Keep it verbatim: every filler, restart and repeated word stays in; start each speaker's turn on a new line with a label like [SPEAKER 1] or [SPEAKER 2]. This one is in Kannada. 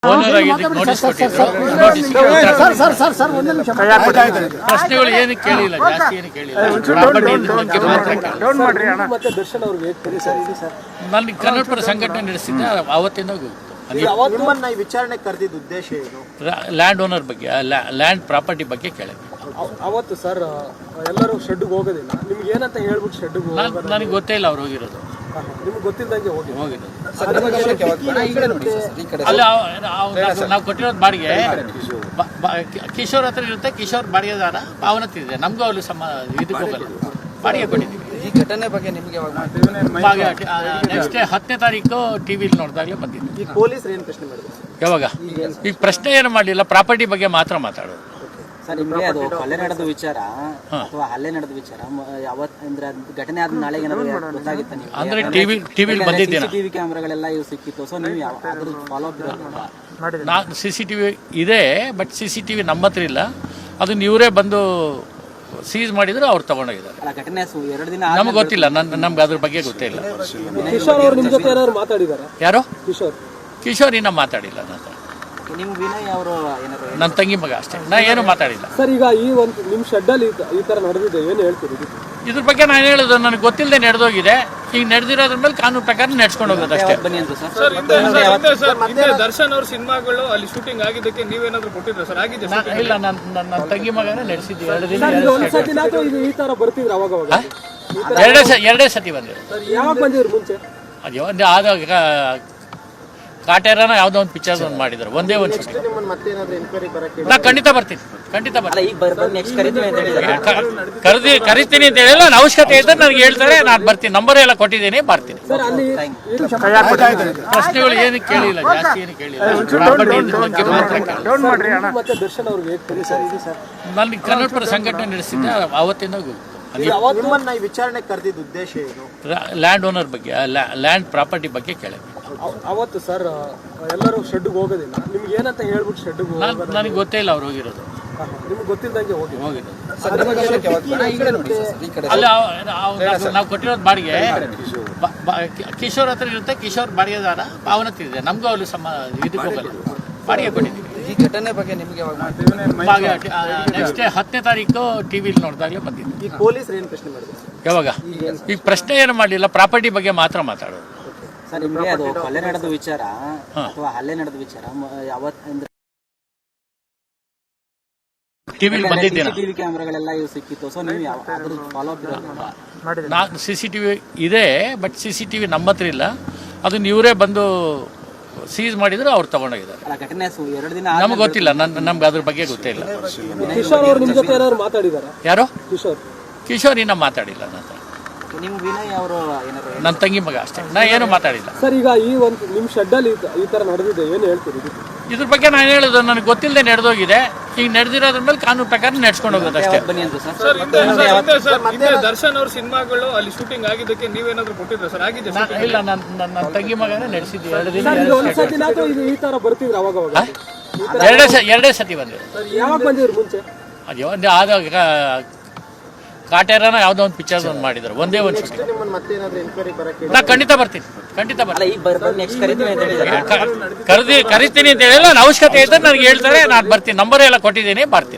[SPEAKER 1] ಓನರ್ ಆಗಿದ್ದಕ್ಕೆ ನೋಟಿಸ್ ಕೊಟ್ಟಿದ್ರು. ನೋಟಿಸ್ ಪ್ರಶ್ನೆಗಳು ಏನು ಕೇಳಿಲ್ಲ, ಜಾಸ್ತಿ ಏನು ಕೇಳಿಲ್ಲ. ಪ್ರಾಪರ್ಟಿ ಬಗ್ಗೆ ಮಾತ್ರ ಕೇಳಿದ್ರು. ನಾನು ಕನ್ನಡಪರ ಸಂಘಟನೆ ನಡೆಸಿದ್ದೆ, ಅವತ್ತಿಂದ
[SPEAKER 2] ವಿಚಾರಣೆ ಕರೆದಿದ್ದ ಉದ್ದೇಶ ಏನು?
[SPEAKER 1] ಲ್ಯಾಂಡ್ ಓನರ್ ಬಗ್ಗೆ, ಲ್ಯಾಂಡ್ ಪ್ರಾಪರ್ಟಿ ಬಗ್ಗೆ ಕೇಳಿದ್ವಿ.
[SPEAKER 3] ಅವತ್ತು ಸರ್ ಎಲ್ಲರೂ ಶೆಡ್ಗೆ ಹೋಗೋದಿಲ್ಲ, ನಿಮ್ಗೆ ಏನಂತ ಹೇಳ್ಬಿಟ್ಟು ಶೆಡ್ಗೆ
[SPEAKER 1] ನನಗೆ ಗೊತ್ತೇ ಇಲ್ಲ ಅವ್ರು ಹೋಗಿರೋದು.
[SPEAKER 3] ನಿಮ್ಗೆ ಗೊತ್ತಿಲ್ಲದಂಗೆ ಹೋಗಿ
[SPEAKER 1] ಹೋಗಿರೋದು ಅಲ್ಲ, ನಾವು ಕೊಟ್ಟಿರೋದು ಬಾಡಿಗೆ ಕಿಶೋರ್ ಹತ್ರ ಇರುತ್ತೆ. ಕಿಶೋರ್ ಬಾಡಿಗೆದಾರ ಅವನತ್ತಿದೆ, ನಮಗೂ ಅವ್ರಿಗೆ ಸಮ ಇದಕ್ಕೆ ಹೋಗಲ್ಲ, ಬಾಡಿಗೆ ಕೊಟ್ಟಿದ್ದೀವಿ.
[SPEAKER 4] ಈ ಘಟನೆ ಬಗ್ಗೆ ನಿಮಗೆ
[SPEAKER 1] ನೆಕ್ಸ್ಟ್ ಡೇ ಹತ್ತನೇ ತಾರೀಕು ಟಿವಿಲಿ ನೋಡಿದಾಗಲೇ ಬಂದಿದ್ದೆ.
[SPEAKER 2] ಪೊಲೀಸರು ಏನು ಪ್ರಶ್ನೆ ಮಾಡಿದ್ರು?
[SPEAKER 1] ಯಾವಾಗ ಈಗ ಪ್ರಶ್ನೆ ಏನು ಮಾಡಲಿಲ್ಲ, ಪ್ರಾಪರ್ಟಿ ಬಗ್ಗೆ ಮಾತ್ರ ಮಾತಾಡೋದು.
[SPEAKER 4] ಸರ್, ನಿಮಗೆ ಅದು ಕೊಲೆ ನಡೆದ ವಿಚಾರ ಅಥವಾ ಹಲ್ಲೆ ನಡೆದ ವಿಚಾರ ಯಾವತ್ ಅಂದ್ರೆ ಘಟನೆ ಆದ ನಾಳೆಗೆ ಏನಾದ್ರು ಗೊತ್ತಾಗಿತ್ತ ನೀವು?
[SPEAKER 1] ಅಂದ್ರೆ ಟಿವಿ ಟಿವಿಲಿ ಬಂದಿದ್ದೇನೆ,
[SPEAKER 4] ಟಿವಿ ಕ್ಯಾಮ್ರಾಗಳೆಲ್ಲ ಇವು ಸಿಕ್ಕಿತ್ತು. ಸೊ ನೀವು ಯಾವ ಅದ್ರ ಫಾಲೋ ಅಪ್ ಇರೋದಿಲ್ಲ?
[SPEAKER 1] ನಾ ಸಿ ಸಿ ಟಿ ವಿ ಇದೆ, but C C T V ನಮ್ಮ ಹತ್ರ ಇಲ್ಲ. ಅದನ್ನ ಇವರೇ ಬಂದು ಸೀಸ್ ಮಾಡಿದ್ರು, ಅವ್ರು ತಗೊಂಡೋಗಿದ್ದಾರೆ.
[SPEAKER 4] ಅಲ್ಲ, ಘಟನೆ ಎರಡು ದಿನ
[SPEAKER 1] ನಮ್ಗೆ ಗೊತ್ತಿಲ್ಲ, ನನ್ ನಮ್ಗೆ ಅದ್ರ ಬಗ್ಗೆ ಗೊತ್ತೇ ಇಲ್ಲ.
[SPEAKER 3] ಕಿಶೋರ್ ಅವರು ನಿಮ್ಮ ಜೊತೆ ಏನಾದ್ರು ಮಾತಾಡಿದಾರ?
[SPEAKER 1] ಯಾರು?
[SPEAKER 3] ಕಿಶೋರ್
[SPEAKER 1] ಕಿಶೋರ್ ಇನ್ನ ಮಾತಾಡಿಲ್ಲ. ನನ್ನ
[SPEAKER 4] ನಿಮ್ ವಿನಯ್ ಅವರು ಏನಾದ್ರು?
[SPEAKER 1] ನನ್ನ ತಂಗಿ ಮಗ ಅಷ್ಟೇ, ನಾ ಏನು ಮಾತಾಡಿಲ್ಲ.
[SPEAKER 3] ಸರ್, ಈಗ ಈ ಒಂದು ನಿಮ್ಮ ಶೆಡ್ಡಲ್ಲಿ ಈ ತರ ನಡೆದಿದೆ, ಏನು ಹೇಳ್ತೀರಿ
[SPEAKER 1] ಇದ್ರ ಬಗ್ಗೆ ನಾನು ಹೇಳೋದು, ನನಗೆ ಗೊತ್ತಿಲ್ಲದೆ ನಡೆದೋಗಿದೆ. ಈಗ ನಡೆದಿರೋದ್ರ ಮೇಲೆ ಕಾನೂನು ಪ್ರಕಾರ ನಡ್ಸ್ಕೊಂಡು ಹೋಗೋದು ಅಷ್ಟೇ.
[SPEAKER 4] ಬನ್ನಿ ಅಂತ ಸರ್.
[SPEAKER 3] ದರ್ಶನ್ ಅವ್ರ ಸಿನಿಮಾಗಳು ಅಲ್ಲಿ ಶೂಟಿಂಗ್ ಆಗಿದ್ದಕ್ಕೆ ನೀವೇನಾದ್ರು ಕೊಟ್ಟಿದ್ರ ಸರ್? ಆಗಿದೆ
[SPEAKER 1] ಇಲ್ಲ, ನನ್ನ ನನ್ನ ತಂಗಿ ಮಗನೇ ನಡೆಸಿದ್ವಿ. ಎರಡು ದಿನ
[SPEAKER 3] ಈ ತರ ಬರ್ತಿದ್ರು ಅವಾಗ ಅವಾಗ?
[SPEAKER 1] ಎರಡೇ ಸ ಎರಡೇ ಸತಿ ಬಂದಿರು.
[SPEAKER 3] ಯಾವಾಗ ಬಂದಿದ್ರು ಮುಂಚೆ?
[SPEAKER 1] ಅದೇ ಒಂದು ಆದಾಗ ಕಾಟೇರನ ಯಾವುದೋ ಒಂದು ಪಿಕ್ಚರ್ ಒಂದು ಮಾಡಿದ್ರು, ಒಂದೇ ಒಂದು ಶೂಟಿಂಗ್.
[SPEAKER 2] ನಿಮ್ಮನ್ನ ಮತ್ತೇನಾದ್ರೂ ಎನ್ಕ್ವೈರಿ ಬರಕ್ಕೆ?
[SPEAKER 1] ನಾ ಖಂಡಿತ ಬರ್ತೀನಿ, ಖಂಡಿತ
[SPEAKER 4] ಅಲ್ಲ,
[SPEAKER 1] ಬರ್ತೀನಿ.
[SPEAKER 4] ಈಗ ಬರ್ತೀನಿ ನೆಕ್ಸ್ಟ್ ಕರಿತೀವಿ ಅಂತ ಹೇಳಿದ್ದಾರೆ.
[SPEAKER 1] ಕರೆದಿ ಕರಿತೀನಿ ಅಂತ ಹೇಳಿಲ್ಲ. ನನ್ನ ಅವಶ್ಯಕತೆ ಇದ್ದರೆ ನನಗೆ ಹೇಳ್ತಾರೆ, ನಾನು ಬರ್ತೀನಿ. ನಂಬರ್ ಎಲ್ಲ ಕೊಟ್ಟಿದ್ದೀನಿ, ಬರ್ತೀನಿ.
[SPEAKER 3] ಸರ್, ಅಲ್ಲಿ
[SPEAKER 1] ಪ್ರಶ್ನೆಗಳು ಏನು ಕೇಳಿಲ್ಲ, ಜಾಸ್ತಿ ಏನು ಕೇಳಿಲ್ಲ. ಪ್ರಾಪರ್ಟಿ ಬಗ್ಗೆ ಮಾತ್ರ ಕೇಳಿದ್ರು.
[SPEAKER 3] ಮತ್ತೆ ದರ್ಶನ್ ಅವ್ರಿಗೆ
[SPEAKER 1] ನಾನು ಕನ್ನಡಪರ ಸಂಘಟನೆ ನಡೆಸಿದ್ದೆ, ಅವತ್ತಿಂದ
[SPEAKER 2] ನಿಮ್ಮನ್ನ ಈ ವಿಚಾರಣೆ ಕರೆದಿದ್ದ ಉದ್ದೇಶ ಏನು?
[SPEAKER 1] ಲ್ಯಾಂಡ್ ಓನರ್ ಬಗ್ಗೆ, ಲ್ಯಾಂಡ್ ಪ್ರಾಪರ್ಟಿ ಬಗ್ಗೆ ಕೇಳಿದ್ವಿ.
[SPEAKER 3] ಅವತ್ತು ಸರ್ ಎಲ್ಲರೂ ಶೆಡ್ಗೆ ಹೋಗೋದಿಲ್ಲ, ನಿಮ್ಗೆ ಏನಂತ ಹೇಳ್ಬಿಟ್ಟು ಶೆಡ್ಗೆ
[SPEAKER 1] ನನಗೆ ಗೊತ್ತೇ ಇಲ್ಲ ಅವ್ರು ಹೋಗಿರೋದು.
[SPEAKER 3] ನಿಮ್ಗೆ ಗೊತ್ತಿಲ್ಲದಂಗೆ ಹೋಗಿ
[SPEAKER 1] ಹೋಗಿರೋದು ಅಲ್ಲ, ನಾವು ಕೊಟ್ಟಿರೋದು ಬಾಡಿಗೆ ಕಿಶೋರ್ ಹತ್ರ ಇರುತ್ತೆ. ಕಿಶೋರ್ ಬಾಡಿಗೆದಾರ ಅವನತ್ತಿದೆ, ನಮಗೂ ಅವ್ರಿಗೆ ಸಮ ಇದಕ್ಕೆ ಹೋಗಲ್ಲ, ಬಾಡಿಗೆ ಕೊಟ್ಟಿದ್ದೀವಿ.
[SPEAKER 4] ಈ ಘಟನೆ ಬಗ್ಗೆ ನಿಮಗೆ
[SPEAKER 1] ನೆಕ್ಸ್ಟ್ ಡೇ ಹತ್ತನೇ ತಾರೀಕು ಟಿವಿಲಿ ನೋಡಿದಾಗಲೇ ಬಂದಿದ್ದೆ.
[SPEAKER 2] ಈ ಪೊಲೀಸರು ಏನು ಪ್ರಶ್ನೆ ಮಾಡಿದ್ರು?
[SPEAKER 1] ಯಾವಾಗ ಈಗ ಪ್ರಶ್ನೆ ಏನು ಮಾಡಲಿಲ್ಲ, ಪ್ರಾಪರ್ಟಿ ಬಗ್ಗೆ ಮಾತ್ರ ಮಾತಾಡೋದು.
[SPEAKER 4] ಸರ್, ನಿಮಗೆ ಅದು ಕೊಲೆ ನಡೆದ ವಿಚಾರ ಅಥವಾ ಹಲ್ಲೆ ನಡೆದ ವಿಚಾರ ಯಾವತ್ ಅಂದ್ರೆ
[SPEAKER 1] ಟಿವಿಲಿ ಬಂದಿದ್ದೇನೆ,
[SPEAKER 4] ಟಿವಿ ಕ್ಯಾಮ್ರಾಗಳೆಲ್ಲ ಇವು ಸಿಕ್ಕಿತ್ತು. ಸೊ ನೀವು ಯಾವ ಅದ್ರ ಫಾಲೋ ಅಪ್ ಇರೋದಿಲ್ಲ?
[SPEAKER 1] ನಾ ಸಿ ಸಿ ಟಿ ವಿ ಇದೆ, but C C T V ನಮ್ಮ ಹತ್ರ ಇಲ್ಲ. ಅದನ್ನ ಇವರೇ ಬಂದು ಸೀಸ್ ಮಾಡಿದ್ರು, ಅವ್ರು ತಗೊಂಡೋಗಿದ್ದಾರೆ.
[SPEAKER 4] ಅಲ್ಲ, ಘಟನೆ ಎರಡು ದಿನ
[SPEAKER 1] ನಮ್ಗೆ ಗೊತ್ತಿಲ್ಲ, ನನ್ನ ನಮ್ಗೆ ಅದ್ರ ಬಗ್ಗೆ ಗೊತ್ತೇ ಇಲ್ಲ.
[SPEAKER 3] ಕಿಶೋರ್ ಅವರು ನಿಮ್ಮ ಜೊತೆ ಏನಾದ್ರು ಮಾತಾಡಿದಾರ?
[SPEAKER 1] ಯಾರು?
[SPEAKER 3] ಕಿಶೋರ್
[SPEAKER 1] ಕಿಶೋರ್ ಇನ್ನ ಮಾತಾಡಿಲ್ಲ. ನನ್ನ
[SPEAKER 4] ನಿಮ್ ವಿನಯ್ ಅವರು ಏನಾದ್ರು?
[SPEAKER 1] ನನ್ನ ತಂಗಿ ಮಗ ಅಷ್ಟೇ, ನಾ ಏನು ಮಾತಾಡಿಲ್ಲ.
[SPEAKER 3] ಸರ್, ಈಗ ಈ ಒಂದು ನಿಮ್ಮ ಶೆಡ್ಡಲ್ಲಿ ಈ ತರ ನಡೆದಿದೆ, ಏನು ಹೇಳ್ತೀರಿ
[SPEAKER 1] ಇದ್ರ ಬಗ್ಗೆ ನಾನು ಹೇಳೋದು, ನನಗೆ ಗೊತ್ತಿಲ್ಲದೆ ನಡೆದೋಗಿದೆ. ಈಗ ನಡೆದಿರೋದ್ರ ಮೇಲೆ ಕಾನೂನು ಪ್ರಕಾರ ನಡ್ಸ್ಕೊಂಡು ಹೋಗೋದು ಅಷ್ಟೇ.
[SPEAKER 4] ಬನ್ನಿ ಅಂತ ಸರ್.
[SPEAKER 3] ದರ್ಶನ್ ಅವ್ರ ಸಿನಿಮಾಗಳು ಅಲ್ಲಿ ಶೂಟಿಂಗ್ ಆಗಿದ್ದಕ್ಕೆ ನೀವೇನಾದ್ರು ಕೊಟ್ಟಿದ್ರ ಸರ್? ಆಗಿದೆ
[SPEAKER 1] ಇಲ್ಲ, ನನ್ನ ನನ್ನ ತಂಗಿ ಮಗನೇ ನಡೆಸಿದ್ವಿ. ಎರಡು ದಿನ
[SPEAKER 3] ಈ ತರ ಬರ್ತಿದ್ರು ಅವಾಗ ಅವಾಗ?
[SPEAKER 1] ಎರಡೇ ಸ ಎರಡೇ ಸತಿ ಬಂದಿರು.
[SPEAKER 3] ಯಾವಾಗ ಬಂದಿದ್ರು ಮುಂಚೆ?
[SPEAKER 1] ಅದೇ ಒಂದು ಆದಾಗ ಕಾಟೇರನ ಯಾವುದೋ ಒಂದು ಪಿಕ್ಚರ್ ಒಂದು ಮಾಡಿದ್ರು, ಒಂದೇ ಒಂದು ಶೂಟಿಂಗ್.
[SPEAKER 2] ನಿಮ್ಮನ್ನ ಮತ್ತೇನಾದ್ರೂ ಎನ್ಕ್ವೈರಿ ಬರಕ್ಕೆ?
[SPEAKER 1] ನಾ ಖಂಡಿತ ಬರ್ತೀನಿ, ಖಂಡಿತ
[SPEAKER 4] ಅಲ್ಲ,
[SPEAKER 1] ಬರ್ತೀನಿ.
[SPEAKER 4] ಈಗ ಬರ್ತೀನಿ ನೆಕ್ಸ್ಟ್ ಕರಿತೀವಿ ಅಂತ ಹೇಳಿದ್ದಾರೆ.
[SPEAKER 1] ಕರೆದಿ ಕರಿತೀನಿ ಅಂತ ಹೇಳಿಲ್ಲ. ನನ್ನ ಅವಶ್ಯಕತೆ ಇದ್ದರೆ ನನಗೆ ಹೇಳ್ತಾರೆ, ನಾನು ಬರ್ತೀನಿ. ನಂಬರ್ ಎಲ್ಲ ಕೊಟ್ಟಿದ್ದೀನಿ, ಬರ್ತೀನಿ.